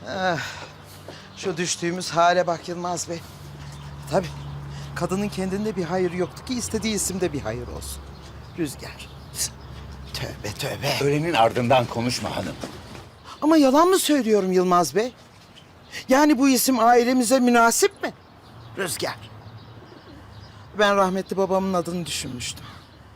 Şu düştüğümüz hale bak Yılmaz Bey. Tabii kadının kendinde bir hayır yoktu ki istediği isimde bir hayır olsun. Rüzgar. Tövbe tövbe. Ölenin ardından konuşma hanım. Ama yalan mı söylüyorum Yılmaz Bey? Yani bu isim ailemize münasip mi? Rüzgar. Ben rahmetli babamın adını düşünmüştüm.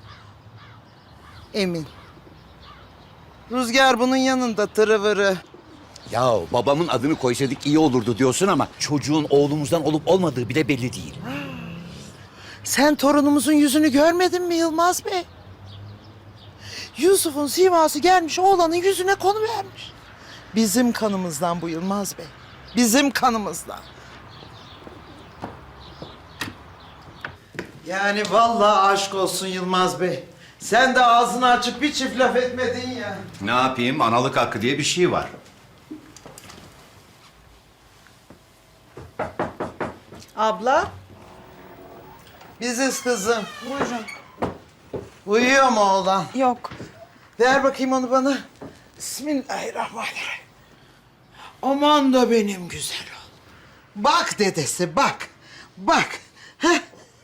Emin. Rüzgar bunun yanında tırıvırı. Ya babamın adını koysaydık iyi olurdu diyorsun ama çocuğun oğlumuzdan olup olmadığı bile belli değil. Sen torunumuzun yüzünü görmedin mi Yılmaz Bey? Yusuf'un siması gelmiş oğlanın yüzüne konuvermiş. Bizim kanımızdan bu Yılmaz Bey. Bizim kanımızdan. Yani vallahi aşk olsun Yılmaz Bey. Sen de ağzını açıp bir çift laf etmedin ya. Ne yapayım? Analık hakkı diye bir şey var. Abla. Biziz kızım. Buyurun. Uyuyor mu oğlan? Yok. Ver bakayım onu bana. Bismillahirrahmanirrahim. Aman da benim güzel oğlum. Bak dedesi bak. Bak. Heh.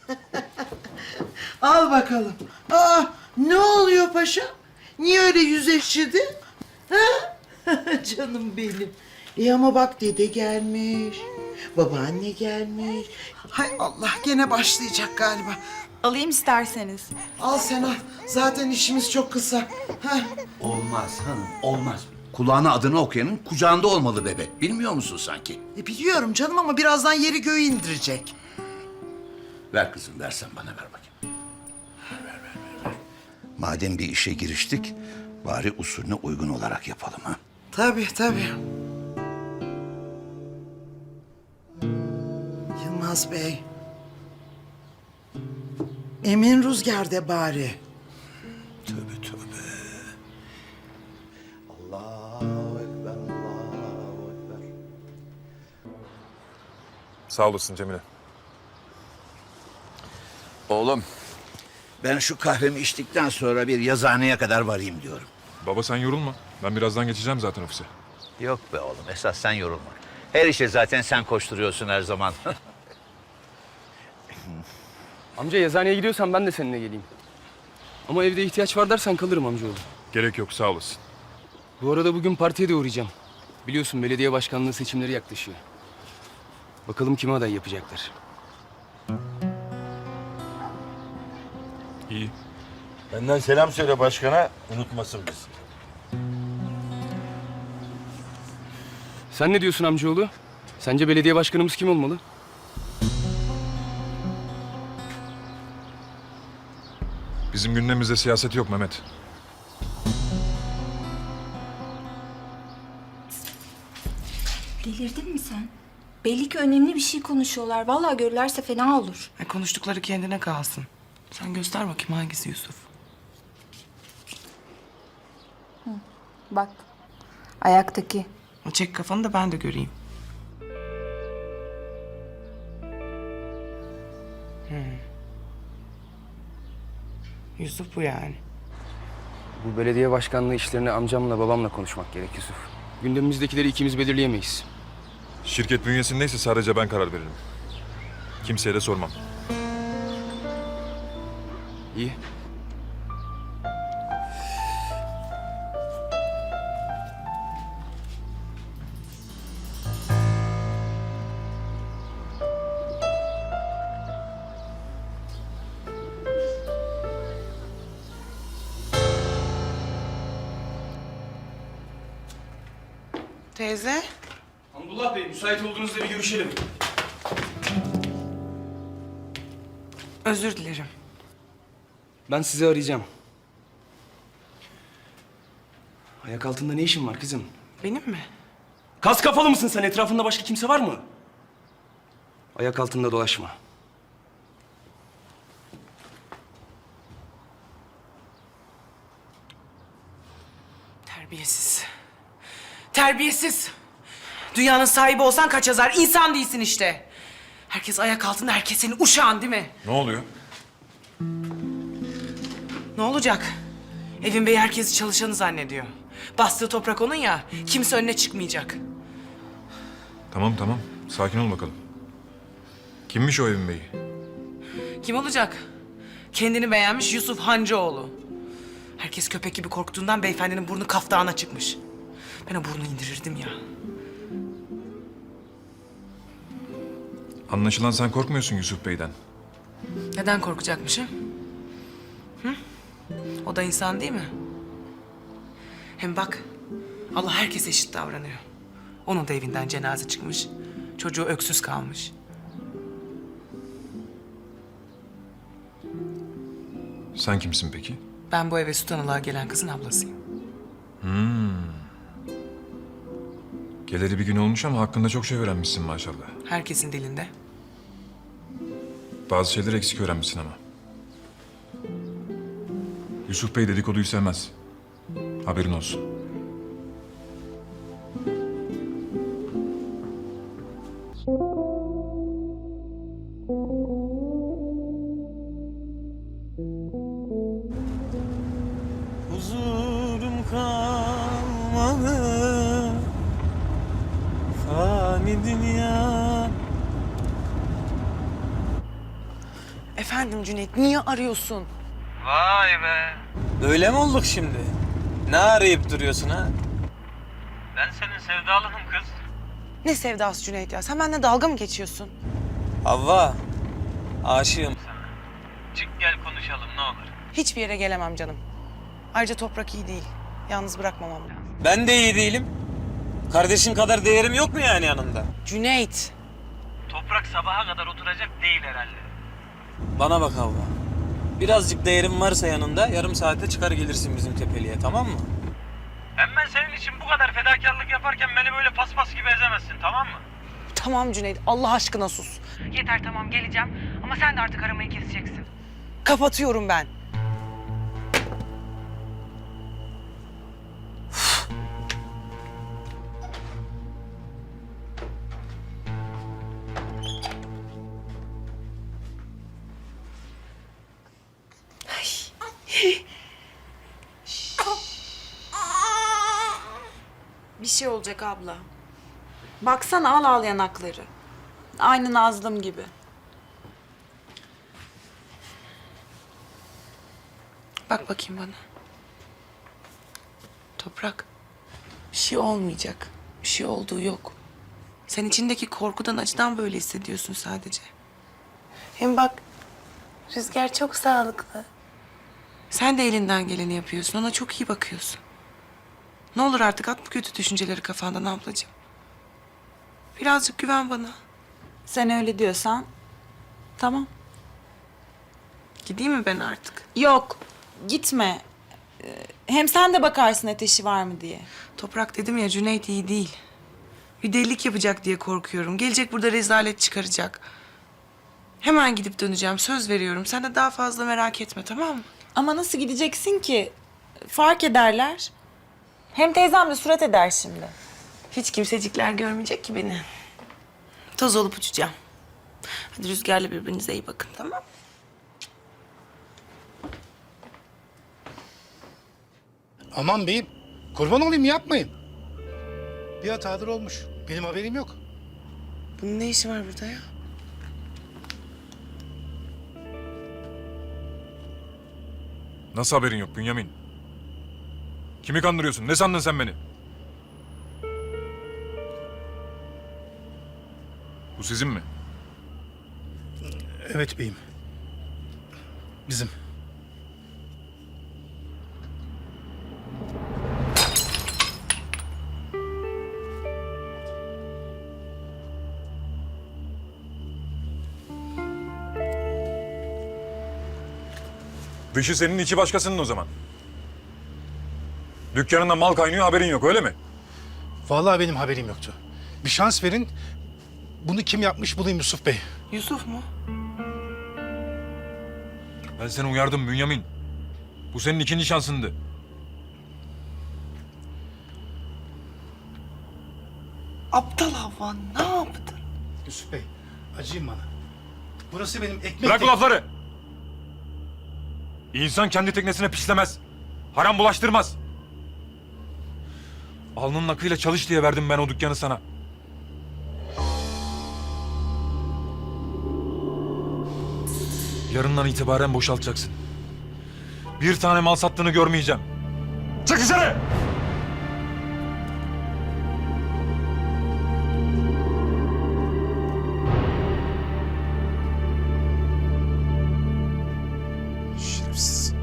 Al bakalım. Aa, ne oluyor paşam? Niye öyle yüz ekşidin? Ha? Canım benim. Ama bak dede gelmiş. Babaanne gelmiş. Hay Allah gene başlayacak galiba. Alayım isterseniz. Al sen al. Zaten işimiz çok kısa. Heh. Olmaz hanım, olmaz. Kulağına adını okuyanın kucağında olmalı bebe. Bilmiyor musun sanki? Biliyorum canım ama birazdan yeri göğü indirecek. Ver kızım, versen bana ver bakayım. Ver. Madem bir işe giriştik, bari usulüne uygun olarak yapalım ha. Tabii tabii. Yılmaz Bey. Emin Rüzgar de bari. Tövbe. Allahu Ekber, Allahu Ekber. Sağ olasın Cemile. Oğlum, ben şu kahvemi içtikten sonra bir yazıhaneye kadar varayım diyorum. Baba sen yorulma. Ben birazdan geçeceğim zaten ofise. Yok be oğlum, esas sen yorulma. Her işe zaten sen koşturuyorsun her zaman. Amca yazıhaneye gidiyorsan ben de seninle geleyim. Ama evde ihtiyaç var dersen kalırım amcaoğlu. Gerek yok sağ olasın. Bu arada bugün partiye de uğrayacağım. Biliyorsun belediye başkanlığı seçimleri yaklaşıyor. Bakalım kime aday yapacaklar. İyi. Benden selam söyle başkana, unutmasın bizi. Sen ne diyorsun amcaoğlu? Sence belediye başkanımız kim olmalı? Bizim gündemimizde siyaset yok Mehmet. Delirdin mi sen? Belli ki önemli bir şey konuşuyorlar. Vallahi görürlerse fena olur. Konuştukları kendine kalsın. Sen göster bakayım hangisi Yusuf. Bak. Ayaktaki. Çek kafanı da ben de göreyim. Yusuf bu yani. Bu belediye başkanlığı işlerini amcamla babamla konuşmak gerek Yusuf. Gündemimizdekileri ikimiz belirleyemeyiz. Şirket bünyesindeyse sadece ben karar veririm. Kimseye de sormam. İyi. Teyze. Hamdullah Bey, müsait olduğunuzda bir görüşelim. Özür dilerim. Ben sizi arayacağım. Ayak altında ne işin var kızım? Benim mi? Kas kafalı mısın sen? Etrafında başka kimse var mı? Ayak altında dolaşma. Terbiyesiz. Terbiyesiz. Dünyanın sahibi olsan kaç yazar? İnsan değilsin işte. Herkes ayak altında, herkes senin uşağın değil mi? Ne oluyor? Ne olacak? Evin beyi herkesi çalışanı zannediyor. Bastığı toprak onun ya, kimse önüne çıkmayacak. Tamam tamam. Sakin ol bakalım. Kimmiş o evin beyi? Kim olacak? Kendini beğenmiş Yusuf Hancıoğlu. Herkes köpek gibi korktuğundan beyefendinin burnu kaftağına çıkmış. Ben o burnu indirirdim ya. Anlaşılan sen korkmuyorsun Yusuf Bey'den. Neden korkacakmışım? Hı? O da insan değil mi? Hem bak, Allah herkese eşit davranıyor. Onun da evinden cenaze çıkmış. Çocuğu öksüz kalmış. Sen kimsin peki? Ben bu eve süt analığa gelen kızın ablasıyım. Geleli bir gün olmuş ama hakkında çok şey öğrenmişsin maşallah. Herkesin dilinde. Bazı şeyleri eksik öğrenmişsin ama. Yusuf Bey dedikoduyu sevmez. Haberin olsun. Huzurum kalmadı fani dünya. Efendim Cüneyt, niye arıyorsun? Vay be. Böyle mi olduk şimdi? Ne arayıp duruyorsun ha? Ben senin sevdalınım kız. Ne sevdası Cüneyt ya? Sen benimle dalga mı geçiyorsun? Havva, aşığım sana. Çık gel konuşalım ne olur. Hiçbir yere gelemem canım. Ayrıca Toprak iyi değil. Yalnız bırakmamam lazım. Ben de iyi değilim. Kardeşin kadar değerim yok mu yani yanında? Cüneyt! Toprak sabaha kadar oturacak değil herhalde. Bana bak Havva. Birazcık değerim varsa yanında yarım saate çıkar gelirsin bizim tepeliğe, tamam mı? Hem ben senin için bu kadar fedakarlık yaparken beni böyle paspas gibi ezemezsin, tamam mı? Tamam Cüneyt, Allah aşkına sus. Yeter tamam geleceğim ama sen de artık aramayı keseceksin. Kapatıyorum ben. Bir şey olacak abla. Baksana al yanakları. Aynı Nazlım gibi. Bak bakayım bana. Toprak, bir şey olmayacak. Bir şey olduğu yok. Sen içindeki korkudan, acıdan böyle hissediyorsun sadece. Hem bak, Rüzgar çok sağlıklı. Sen de elinden geleni yapıyorsun, ona çok iyi bakıyorsun. Ne olur artık at bu kötü düşünceleri kafandan ablacığım. Birazcık güven bana. Sen öyle diyorsan tamam. Gideyim mi ben artık? Yok gitme. Hem sen de bakarsın ateşi var mı diye. Toprak dedim ya, Cüneyt iyi değil. Bir delilik yapacak diye korkuyorum. Gelecek burada rezalet çıkaracak. Hemen gidip döneceğim, söz veriyorum. Sen de daha fazla merak etme, tamam mı? Ama nasıl gideceksin ki? Fark ederler. Hem teyzem de surat eder şimdi. Hiç kimsecikler görmeyecek ki beni. Toz olup uçacağım. Hadi Rüzgar'la birbirinize iyi bakın, tamam mı? Aman beyim, kurban olayım yapmayın. Bir hatadır olmuş. Benim haberim yok. Bunun ne işi var burada ya? Nasıl haberin yok Bünyamin? Kimi kandırıyorsun? Ne sandın sen beni? Bu sizin mi? Evet beyim. Bizim. Dışı senin, içi başkasının o zaman. Dükkanında mal kaynıyor, haberin yok öyle mi? Vallahi benim haberim yoktu. Bir şans verin. Bunu kim yapmış bulayım Yusuf Bey. Yusuf mu? Ben seni uyardım Bünyamin. Bu senin ikinci şansındı. Aptal Havva, ne yaptın? Yusuf Bey, acıyın bana. Burası benim ekmek... Bırak bu lafları! İnsan kendi teknesine pislemez. Haram bulaştırmaz. Alnının akıyla çalış diye verdim ben o dükkanı sana. Yarından itibaren boşaltacaksın. Bir tane mal sattığını görmeyeceğim. Çık dışarı! Şerefsiz.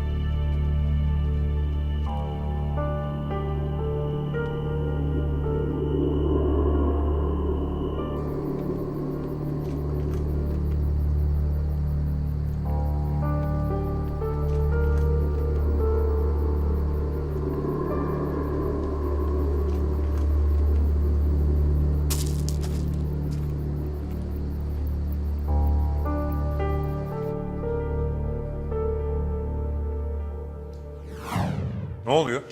Ne oluyor?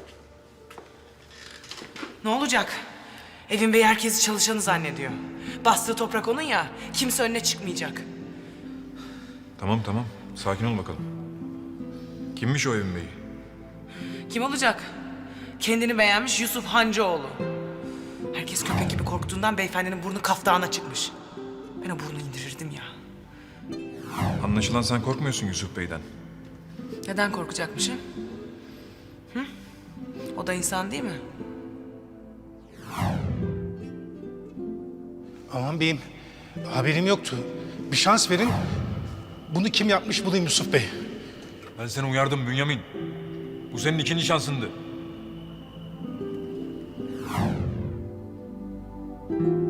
Ne olacak? Evin beyi herkesi çalışanı zannediyor. Bastığı toprak onun ya, kimse önüne çıkmayacak. Tamam tamam. Sakin ol bakalım. Kimmiş o evin beyi? Kim olacak? Kendini beğenmiş Yusuf Hancıoğlu. Herkes köpek gibi korktuğundan beyefendinin burnu kaftağına çıkmış. Ben o burnu indirirdim ya. Anlaşılan sen korkmuyorsun Yusuf Bey'den. Neden korkacakmışım? Hı? O da insan değil mi? Aman beyim, haberim yoktu. Bir şans verin. Bunu kim yapmış bulayım Yusuf Bey. Ben seni uyardım Bünyamin. Bu senin ikinci şansındı.